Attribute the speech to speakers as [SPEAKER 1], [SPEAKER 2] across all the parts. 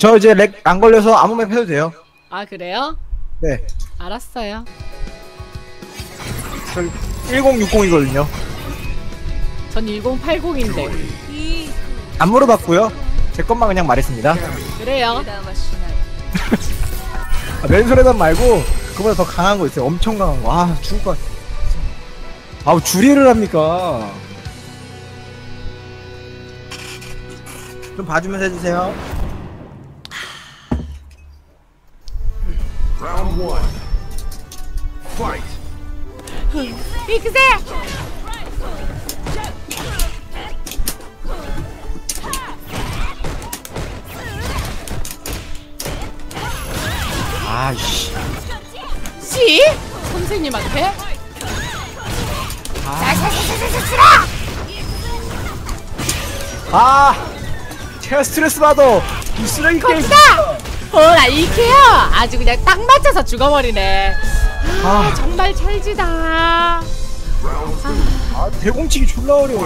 [SPEAKER 1] 저 이제 렉 안 걸려서 아무 맵 해도 돼요.
[SPEAKER 2] 아 그래요?
[SPEAKER 1] 네.
[SPEAKER 2] 알았어요.
[SPEAKER 1] 저 1060이거든요.
[SPEAKER 2] 전 1080인데.
[SPEAKER 1] 안 물어봤고요. 제 것만 그냥 말했습니다.
[SPEAKER 2] 그래요.
[SPEAKER 1] 아, 맨손에단 말고 그보다 더 강한 거 있어요. 엄청 강한 거. 아 죽을 것 같아. 아우 주리를 합니까? 좀 봐주면서 해주세요.
[SPEAKER 3] Round 1. Fight.
[SPEAKER 2] 빅세!
[SPEAKER 1] 아이씨.
[SPEAKER 2] 씨? 선생님한테?
[SPEAKER 1] 제가 스트레스 받아. 이 쓰레기 게임.
[SPEAKER 2] 어라 이케요! 아주 그냥 딱 맞춰서 죽어버리네.
[SPEAKER 1] 아.
[SPEAKER 2] 정말 찰지다.
[SPEAKER 1] 대공치기 졸라 어려워.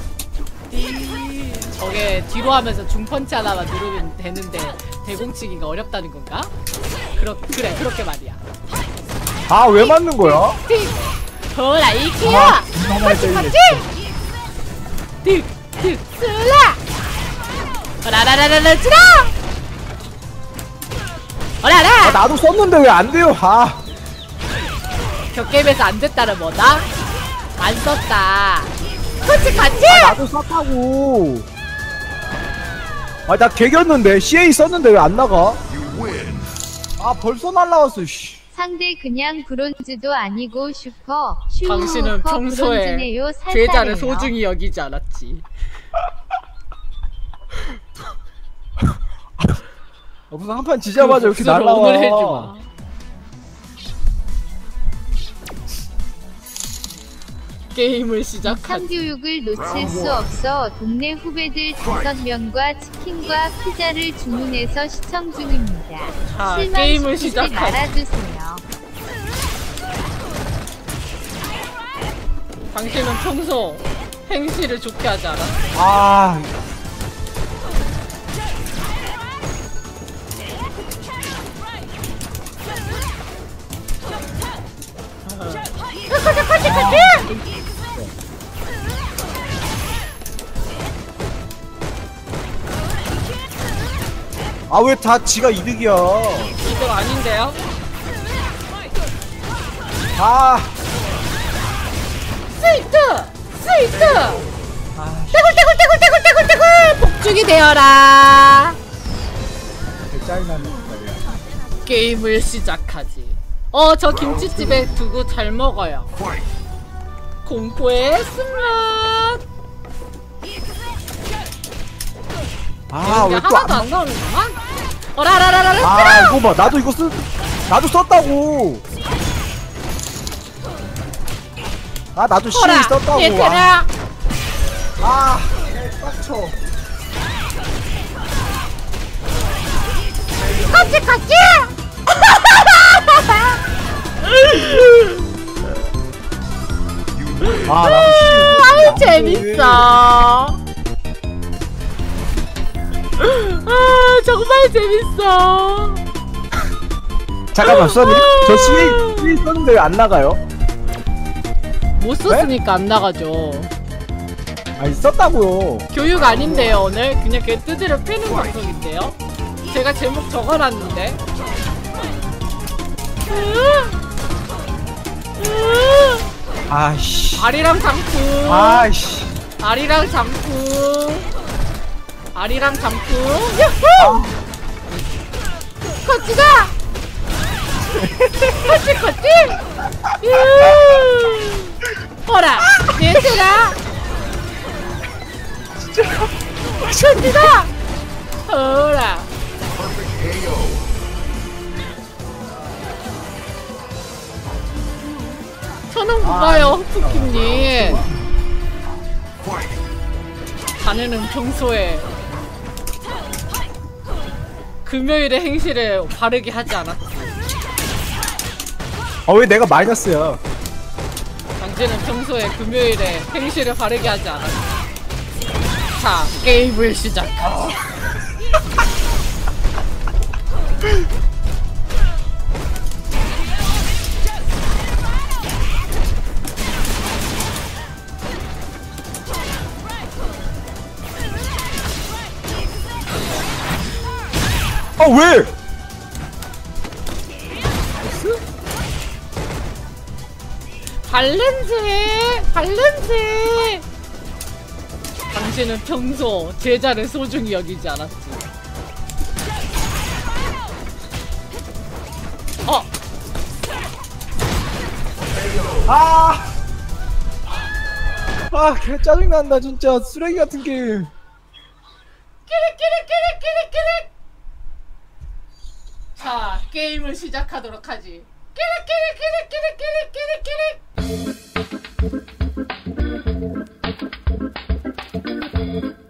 [SPEAKER 2] 저게 뒤로 하면서 중펀치 하나만 누르면 되는데 대공치기가 어렵다는 건가? 그래 그렇게 말이야.
[SPEAKER 1] 아 왜 맞는 거야?
[SPEAKER 2] 어라 이케요! 같이! 득 슬라! 어라라라라라 쓰라! 어라라!
[SPEAKER 1] 나도 썼는데 왜 안 돼요?
[SPEAKER 2] 격게임에서 안 됐다는 뭐다? 안 썼다. 그렇지 같이!
[SPEAKER 1] 나도 썼다고. 나 개겼는데 CA 썼는데 왜 안 나가? 벌써 날라왔어. 씨.
[SPEAKER 4] 상대 그냥 브론즈도 아니고 슈퍼
[SPEAKER 2] 당신은 평소에
[SPEAKER 4] 브론즈네요.
[SPEAKER 2] 죄자를 소중히 여기지 않았지.
[SPEAKER 1] 무슨 한판 지자마자 이렇게
[SPEAKER 2] 복수를
[SPEAKER 1] 날라와.
[SPEAKER 2] 오늘 해주마. 게임을 시작하지.
[SPEAKER 4] 상교육을 놓칠 수 없어 동네 후배들 5명과 치킨과 피자를 주문해서 시청 중입니다.
[SPEAKER 2] 자, 게임을
[SPEAKER 4] 실망시키지
[SPEAKER 2] 시작하지.
[SPEAKER 4] 말아주세요.
[SPEAKER 2] 당신은 평소 행실을 좋게 하지 않아?
[SPEAKER 1] 왜 다 지가 이득이야?
[SPEAKER 2] 이거 아닌데요? 스위트! 떼굴 복죽이 되어라.
[SPEAKER 1] 짜증나네.
[SPEAKER 2] 게임을 시작하지. 저 김치집에 두고 잘 먹어요. 공포의 쓴맛.
[SPEAKER 1] 왜 또
[SPEAKER 2] 하나도 안 나오는구나? 어라라라라.
[SPEAKER 1] 이거 봐. 나도 썼다고. 나도 CA 썼다고.
[SPEAKER 2] 얘들아.
[SPEAKER 1] 빡쳐.
[SPEAKER 2] 같이. 아유 재밌어. 정말 재밌어.
[SPEAKER 1] 잠깐만, 써니? 저 CA 썼는데 왜 안 나가요?
[SPEAKER 2] 못 썼으니까 안 나가죠.
[SPEAKER 1] 썼다고요.
[SPEAKER 2] 교육 아닌데요 오늘? 그냥 그 뜨지를 빼는 방송인데요? 제가 제목 적어놨는데. 아리랑 장풍. 아리랑 장풍. 야호! 같이 가! 같이! 허라! 얘들아! 같이 가! 허라! 저는 고마워요, 푸키님. 자네는 평소에 금요일에 행실을 바르게 하지 않았지.
[SPEAKER 1] 왜 내가 마이너스야?
[SPEAKER 2] 당신은 평소에 금요일에 행실을 바르게 하지 않았지. 자, 게임을 시작하자.
[SPEAKER 1] 아 왜?
[SPEAKER 2] 발렌스. 당신은 평소 제자를 소중히 여기지 않았지.
[SPEAKER 1] 개 짜증난다 진짜 쓰레기 같은 게임.
[SPEAKER 2] 끼릭끼릭끼릭끼릭끼릭. 자, 게임을 시작하도록 하지. 끼릭끼릭끼릭끼릭끼릭끼릭.